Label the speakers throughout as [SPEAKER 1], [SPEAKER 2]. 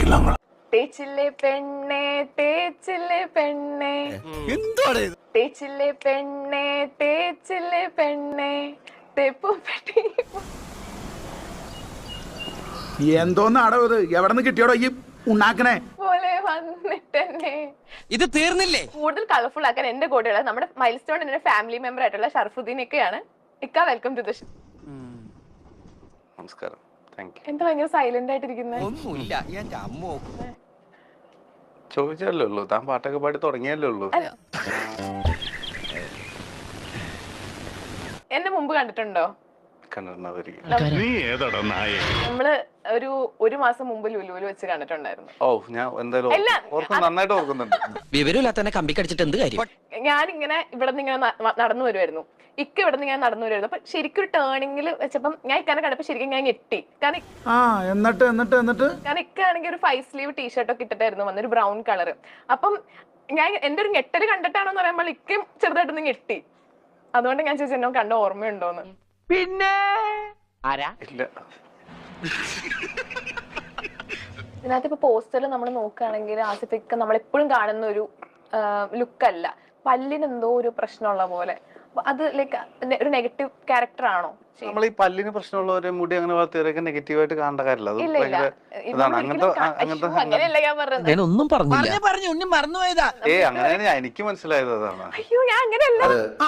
[SPEAKER 1] നീളങ്ങൾ.
[SPEAKER 2] തേച്ചില്ലേ പെണ്ണേ തേച്ചില്ലേ പെണ്ണേ തേച്ചില്ലേ പെണ്ണേ തേച്ചില്ലേ പെണ്ണേ തെപ്പുപെട്ടി
[SPEAKER 3] എന്തോന്നാടോ ഇത്? എവിടെ നിന്ന് കിട്ടിയോടോ ഈ ഉണ്ടാക്കണേ
[SPEAKER 2] പോലെ വന്നിട്ടെന്നെ
[SPEAKER 4] ഇത് തീർന്നില്ലേ?
[SPEAKER 2] കൂടുതൽ കളർഫുൾ ആക്കാൻ എന്റെ കൂടെയുള്ള നമ്മുടെ മൈൽ സ്റ്റോൺ എന്റെ ഫാമിലി മെമ്പർ ആയിട്ടുള്ള ഷർഫുദ്ദീനൊക്കെയാണ്. ഇക്ക വെൽക്കം ടു ദ ഷോ.
[SPEAKER 5] നമസ്കാരം.
[SPEAKER 2] എന്താ ഭയങ്കര സൈലന്റ് ആയിട്ടിരിക്കുന്നത്?
[SPEAKER 4] ഒന്നുമില്ല, എന്റെ അമ്മോ.
[SPEAKER 5] ചോദിച്ചല്ലേ ഉള്ളൂ, താൻ പാട്ടൊക്കെ പാടി തുടങ്ങിയല്ലേ ഉള്ളൂ.
[SPEAKER 2] എന്നെ മുമ്പ് കണ്ടിട്ടുണ്ടോ?
[SPEAKER 1] നീ ഏതാടാ നായേ?
[SPEAKER 2] നമ്മള് ഒരു മാസം മുമ്പ് ലുലുവിൽ വെച്ച് കണ്ടിട്ടുണ്ടായിരുന്നു.
[SPEAKER 5] ഓ, ഞാൻ എന്തായാലും നന്നായിട്ട് ഓർക്കുന്നുണ്ട്.
[SPEAKER 4] വിവരമില്ലാത്തന്നെ കമ്പി കടിച്ചിട്ട് എന്ത് കാര്യം?
[SPEAKER 2] ഞാനിങ്ങനെ ഇവിടെ നിന്ന് ഇങ്ങനെ നടന്നു വരുമായിരുന്നു. ഇക്ക ഇവിടെ നിന്ന് ഞാൻ നടന്നു വരുമായിരുന്നു. അപ്പൊ ശരിക്കും ഒരു ടേണിംഗിൽ വെച്ചപ്പം ഞാൻ ഇക്കാനെ കണ്ടപ്പോ ശരിക്കും ഞാൻ ഞെട്ടി. കാരണം ഇക്ക ആണെങ്കിൽ ഒരു 5 സ്ലീവ് ടീഷർട്ടൊക്കെ ഇട്ടിട്ടായിരുന്നു വന്ന, ഒരു ബ്രൗൺ കളർ. അപ്പം ഞാൻ എന്റെ ഒരു ഞെട്ടല് കണ്ടിട്ടാണെന്ന് പറയുമ്പോൾ ഇക്കയും ചെറുതായിട്ടൊന്ന് ഞെട്ടി. അതുകൊണ്ട് ഞാൻ ചോദിച്ചു എന്നോ കണ്ട ഓർമ്മയുണ്ടോന്ന്.
[SPEAKER 4] പിന്നെ ആരാ?
[SPEAKER 5] ഇല്ല.
[SPEAKER 2] ഇതിനകത്ത് ഇപ്പൊ പോസ്റ്ററിൽ നമ്മൾ നോക്കുകയാണെങ്കിൽ ആസിഫിക്ക നമ്മളെപ്പോഴും കാണുന്ന ഒരു ലുക്കല്ല. പല്ലിന് എന്തോ ഒരു പ്രശ്നമുള്ള പോലെ. അത് ലൈക്ക് ഒരു നെഗറ്റീവ് ക്യാരക്ടർ ആണോ?
[SPEAKER 5] നമ്മൾ ഈ പല്ലിന് പ്രശ്നമുള്ളവരെ മുടി അങ്ങനെ വളർത്തിയവരൊക്കെ നെഗറ്റീവായിട്ട് കാണേണ്ട കാര്യമില്ല. അത്
[SPEAKER 2] അങ്ങനെയല്ല ഞാൻ പറഞ്ഞത്.
[SPEAKER 4] ഒന്നും പറഞ്ഞു ഉണ്ണി മറന്നുപോയതാ.
[SPEAKER 5] അങ്ങനെയാണ് എനിക്ക് മനസ്സിലായത്. അതാണ്.
[SPEAKER 2] അയ്യോ, ഞാൻ അങ്ങനെയല്ല.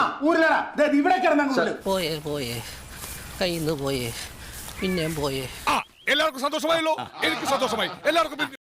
[SPEAKER 4] പോയേ കയ്യിന്ന് പോയേ, പിന്നെയും പോയേ.
[SPEAKER 1] എല്ലാവർക്കും സന്തോഷമായല്ലോ. എനിക്ക് സന്തോഷമായി. എല്ലാവർക്കും